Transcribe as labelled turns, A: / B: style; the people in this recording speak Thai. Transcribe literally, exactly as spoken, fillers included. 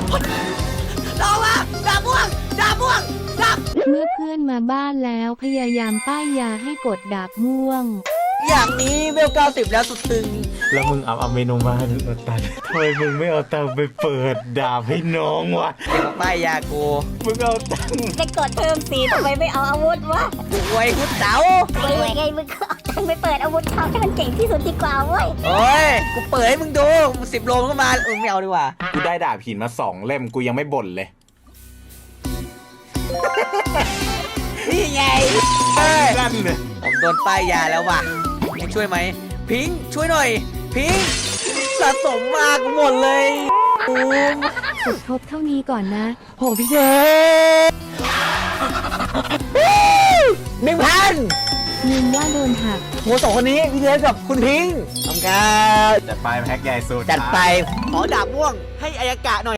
A: ลองมาดาบม่วงดาบม่วงดาบ
B: เมื่อเพื่อนมาบ้านแล้วพยายามป้ายยาให้กดดาบม่วง
A: อย่างนี้เวลเก้าสิบแล้วสุดตึง
C: แล้วมึงเอาเอาเมนูมาให้มึงเอาตังค์ทำไมมึงไม่เอาตังค์ไปเปิดดาบให้น้องวะ
A: เด็กป้ายยากู
C: มึงเอาตังค์
D: จะกดเพิ่มสีทำไมไม่เอาอาวุธวะ
A: กูไว้คุดเต๋า
D: ไอ้ไงมึงก็เอาตังค์ไปเปิดอาวุธเขาให้มันเก่งที่สุดดีกว่าเว้ย
A: โอ้ยกูเปิดให้มึงดูสิบโลมันก็มาเออไม่เอาดีกว่า
C: กูได้ดาบหินมาสองเล่มกูยังไม่บ่นเลย
A: นี่ไงเฮ้ย
C: นั่นเลย
A: ผมโดนป้ายยาแล้วว่ะพิงช่วยไหมพิงช่วยหน่อยพิงสะสมมากหมดเลยโอ้
B: สุดทบเท่านี้ก่อนนะ
A: โหพี่เจหนึ่งพัน
B: เงินว่าโดนหัก
A: โหสองคนนี้พี่เจกับคุณพิงทำการ
C: จัดไปแพ็กใหญ่สุด
A: จัดไปขอดาบม่วงให้อายากะหน่อย